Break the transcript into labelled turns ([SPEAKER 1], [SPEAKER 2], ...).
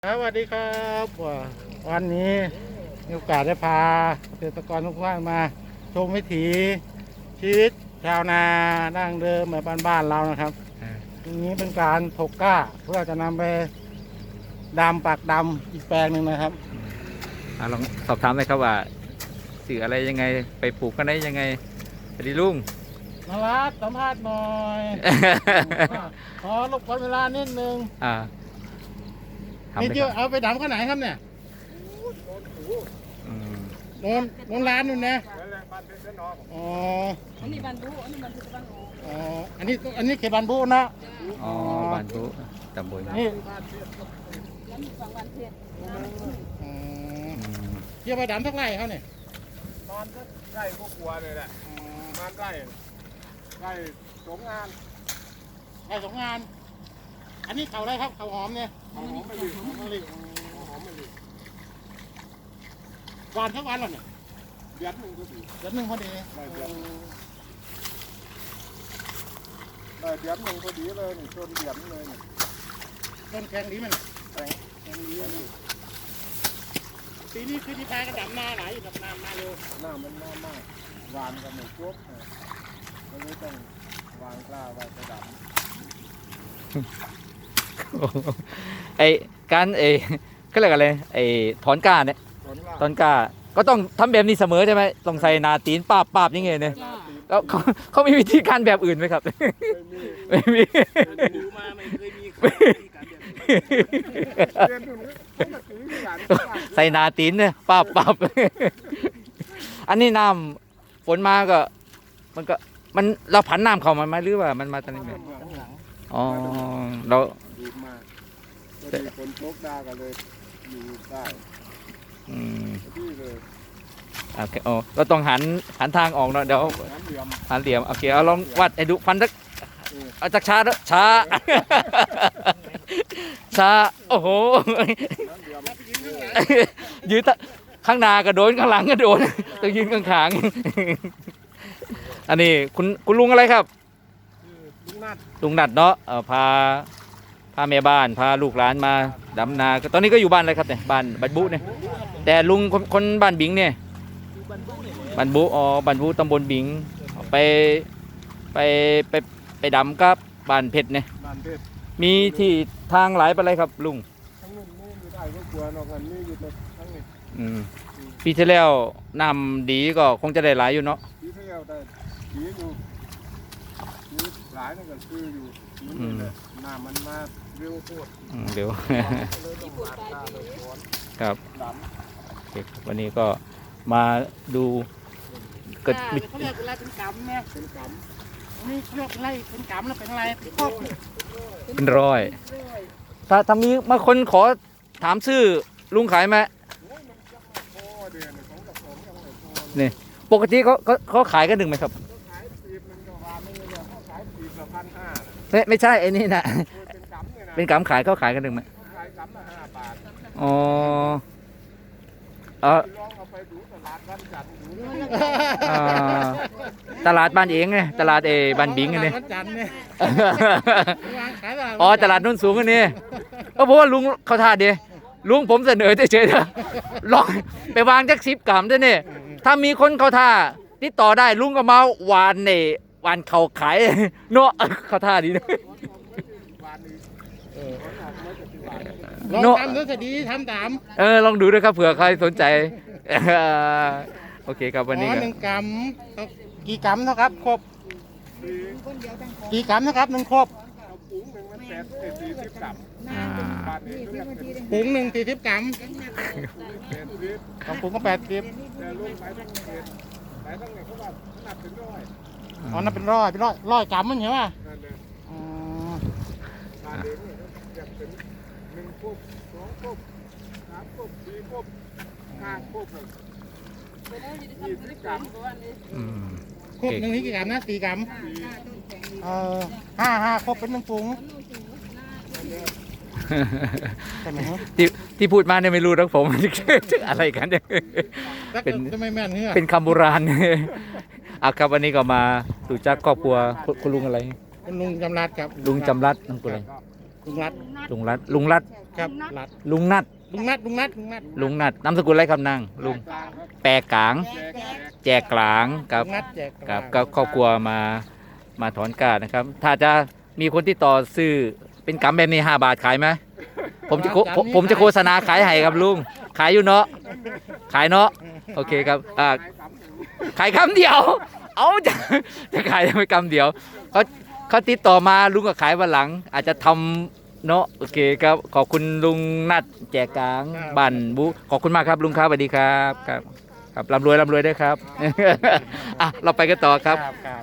[SPEAKER 1] สวัสดีครับวันนี้มีโอกาสได้พาเกษตรกรทุกท่านมาชมวิถีชีวิตชาวนาดั้งเดิมแบบบ้านๆเรานะครับทีนี้เป็นการถกกล้าเพื่อจะนำไปดำปักดำอีกแปลงหนึ่งนะครับ
[SPEAKER 2] ลองสอบถามเลยครับว่าสื่ออะไรยังไงไปปลูกกันได้ยังไงสวัสดีลุง
[SPEAKER 1] นารัตสัมภาษณ์หน่อย ขอรบกวนเวลานิดนึง
[SPEAKER 2] ทำ
[SPEAKER 1] นี่
[SPEAKER 2] เลย
[SPEAKER 1] เย
[SPEAKER 2] ค
[SPEAKER 1] อะ
[SPEAKER 2] รับ
[SPEAKER 1] เอาไปดำข้างไหนครับเนี่ย
[SPEAKER 2] อืม
[SPEAKER 1] โนนร้านนู่นนะอ๋อ
[SPEAKER 3] อันนี้บันดุอันนี้บันดุบ้านโอ
[SPEAKER 1] อ๋ออันนี้เขตบานบุนะ
[SPEAKER 2] อ๋อบ้านบุตำบล
[SPEAKER 1] นี่
[SPEAKER 3] แล้วมีฝั่งวันเพชร
[SPEAKER 1] อ๋อ
[SPEAKER 2] อืม
[SPEAKER 1] เกี่ยวไปดำสักไร่เขาเนี่ย
[SPEAKER 4] มันก็ใกล้พวกกลัวเลยแหละมันใกล้สงงาน
[SPEAKER 1] ไร่สองงาน อันนี้เขาอะไรครับเขาหอมเนี่ย
[SPEAKER 4] หอมไม่ดี
[SPEAKER 1] หอมมะลิ
[SPEAKER 4] หอมไม่ดี
[SPEAKER 1] หวานทั้งวันหรอเนี่ย
[SPEAKER 4] เดือนหนึ่งก็ดี
[SPEAKER 1] เดือนหนึ่งพอดี
[SPEAKER 4] ได้เดือนหนึ่งพอดีเลยนี่ต้นเดือนเลยนี่
[SPEAKER 1] ต้นแข็งดีมันแข็งดีปีนี้คือที่แพ้กระดำนาไหลกับน้ำมาเร็ว
[SPEAKER 4] หน้ามันหน้ามากหวานกับหมูจุ๊บก็เลยต้องวางกล้าไว้กระดับ
[SPEAKER 2] ไอการก็เรียกอะไรถอนก้าเนี่ย
[SPEAKER 4] ผลล่า
[SPEAKER 2] ถอนก้าก็ต้องทำแบบนี้เสมอใช่ไหมต้องใส่นาตีนป้าบยังไงเนี่ย
[SPEAKER 3] จ้า
[SPEAKER 2] แล้วเขามีวิธีการแบบอื่นไหมครับ ไม่มี
[SPEAKER 1] ดูมาไม่เคยมีใครมีการแบบนี้
[SPEAKER 4] เดือนหนึ่งเขามาตีหลาน
[SPEAKER 2] ใส่นาตีนเนี่ยป้าบอันนี้น้ำฝนมาก็มันเราผันน้ำเข้ามาไหมหรือว่ามันมาตอนนี้ไหม
[SPEAKER 1] ข้างหลัง
[SPEAKER 2] อ๋อเรา
[SPEAKER 4] ดูมาก็ดีคนตกดากันเลยอยู่ได้
[SPEAKER 2] อืม
[SPEAKER 4] ที่เลย
[SPEAKER 2] โอเคโอ้เราต้องหันทางออกเนาะเดี๋ยว
[SPEAKER 4] น้ำเหลี่ยม
[SPEAKER 2] หันเหลี่ยมโอเคเอาลองวัดให้ดูฟันสักเอาจากช้าเด้อช้า ช้าโอ้โห
[SPEAKER 4] น้ำเหลี่ยม
[SPEAKER 2] ยืนข้างหน้าก็โดนข้างหลังก็โดนต้องยืนข้างๆอันนี้คุณลุงอะไรครับ
[SPEAKER 4] ลุงนัด
[SPEAKER 2] ลุงนัดเนาะพาแม่บ้านพาลูกหลานมาดำนาก็ตอนนี้ก็อยู่บ้านเลยครับเนี่ยบ้านบันบุเนี่ยแต่ลุงคนบ้านบิงเนี่ยบันบุอ๋อบันบุตำบลบิงไปไปดำกับบ้านเพชรเนี่ย
[SPEAKER 4] บ้านเพชร
[SPEAKER 2] มีที่ทางหลายไปเลยครับลุง
[SPEAKER 4] ทั้งนู้นนี่อยู่ได้ก็กลัวนอกนั้นนี่อยู่ทั้งนี้
[SPEAKER 2] อืมปีที่แล้วน้ำดีก็คงจะได้หลายอยู่เนาะ
[SPEAKER 4] ปีที่แล้วได้ปีอยู่ปีหลายนั่นก็คืออยู่นี่เลยน้ำมันมาเร็วโคตร
[SPEAKER 2] เดี๋ยว
[SPEAKER 4] เลยต้องมาตาเลยสวน
[SPEAKER 2] ครับ
[SPEAKER 4] ด
[SPEAKER 2] โอเคครับวันนี้ก็มาดูเกิด
[SPEAKER 1] เขาเรียกอะไรเป็นกำเนี่ย
[SPEAKER 4] ำเป็นก
[SPEAKER 1] นี่เรียกอะไรเป็นกำแล้วเป็นอะไรเป็นครอบ
[SPEAKER 2] เป็นร้อยถ้ามีมาคนขอถามชื่อลุงขายไหม
[SPEAKER 4] ำโอ้ยมันยังไม่พอเดือนของกับผมยังไม่พอ
[SPEAKER 2] นี่ปกติเขาขายกันหนึ่งไหมครับ
[SPEAKER 4] เขาขายปีบมันก็วานไม่เลยเขาขายปีบละ1,500
[SPEAKER 2] ไม่ใช่ไอ้นี่นะ
[SPEAKER 4] เป็นกำเนี่ยนะ
[SPEAKER 2] เป็นกำขายเขาขายกันหนึ่งไหม
[SPEAKER 4] ขายกำละ5 บาท
[SPEAKER 2] อ๋อ
[SPEAKER 4] ลองเอาไปดูตลาดบ้านจันทร์ดูนะ
[SPEAKER 2] อ่าตลาดบ้านเองไงตลาดบ้านบิงไงเนี่ย
[SPEAKER 1] วันจันทร์เนี่ยวางขายตลาด
[SPEAKER 2] อ๋อตลาดนุ่นสูงอันนี้เพราะว่าลุงเขาท่าเดียลุงผมเสนอเฉยๆเถอะลองไปวางจัก10 กรัมด้วยเนี่ยถ้ามีคนเขาท่าติดต่อได้ลุงก็มาหวานหวานเขาขายเนาะเขาท่าดีนะ
[SPEAKER 1] ลองทำดูสิดีทำตาม
[SPEAKER 2] ลองดูด้วยครับเผื่อใครสนใจ โอเคครับวันนี้ก็
[SPEAKER 1] หนึ่งกำกี่กำเท่าครับครบกี่กำนะครับหนึ่งครบ
[SPEAKER 4] เอาปุ๋งหนึ่งมัน40 กรัม
[SPEAKER 2] อ่า
[SPEAKER 4] บาทนี้เรียกเป็น
[SPEAKER 1] ปุ๋งหนึ่ง40 กรัม
[SPEAKER 4] 80
[SPEAKER 1] ของปุ๋งก็80
[SPEAKER 4] แต่ลูกไปทั้งเขตไปทั้งเนี่ยเขาว่านับถึงร้อย
[SPEAKER 1] อ๋อนั่นเป็นร้อยกรัมมันใช่ไหม
[SPEAKER 4] นั่นเลย
[SPEAKER 1] อ๋อบ
[SPEAKER 4] าทเองเนี่ยเรียกเป็น1 คุบ 2 คุบ 3 คุบ 4 คุบ 5 คุบเลย
[SPEAKER 3] ไปแล้วอยู่ที่ทำธุรกิจของวันนี้
[SPEAKER 2] อืม
[SPEAKER 1] ครบหนึ่งนี่กี่กรัมนะ4 กรัมห้าครบเป็นหนึ่งปุ๋งใช่ไหมฮะ
[SPEAKER 2] ที่พูดมาเนี่ยไม่รู้หรอกผม อะไรกันเนี่ย เป็น
[SPEAKER 1] จะไม่แม่นเนี่ย
[SPEAKER 2] เป็นคำโบราณ อ่ะครับวันนี้ก็มาดูจักครอบครัวคุณลุงอะไร
[SPEAKER 1] เป็นลุงจำรัดครับ
[SPEAKER 2] ลุงจำรัดลุงกุอะไร
[SPEAKER 4] ก็
[SPEAKER 1] ลุงรัด
[SPEAKER 2] ลุงรัดลุงรัด
[SPEAKER 1] ครับรัด
[SPEAKER 2] ลุงนัด
[SPEAKER 1] ลุงนัดลุงนัดลุงนัด
[SPEAKER 2] ลุงนัดนามสกุลอะไรครับนางลุงแปรกลาง แจกกลางกับ
[SPEAKER 1] ลุงนัดแจก
[SPEAKER 2] กับครอบครัวมาถอนกานะครับ ถ้าจะมีคนที่ต่อซื้อเป็นกำแบบนี้5 บาทขายไหมผมจะโฆษณาขายให้ครับลุงขายอยู่เนาะขายเนาะโอเคครับขายคำเดียว เอาจะขายไปคำเดียวเขาติดต่อมาลุงก็ขายวันหลัง อาจจะทำเนาะโอเคครับขอบคุณลุงนัดแจกกลางบันบุขอบคุณมากครับลุงครับสวัสดีครับครับร่ำรวยด้วยครับ อ่ะเราไปกันต่อครับ
[SPEAKER 1] ครับ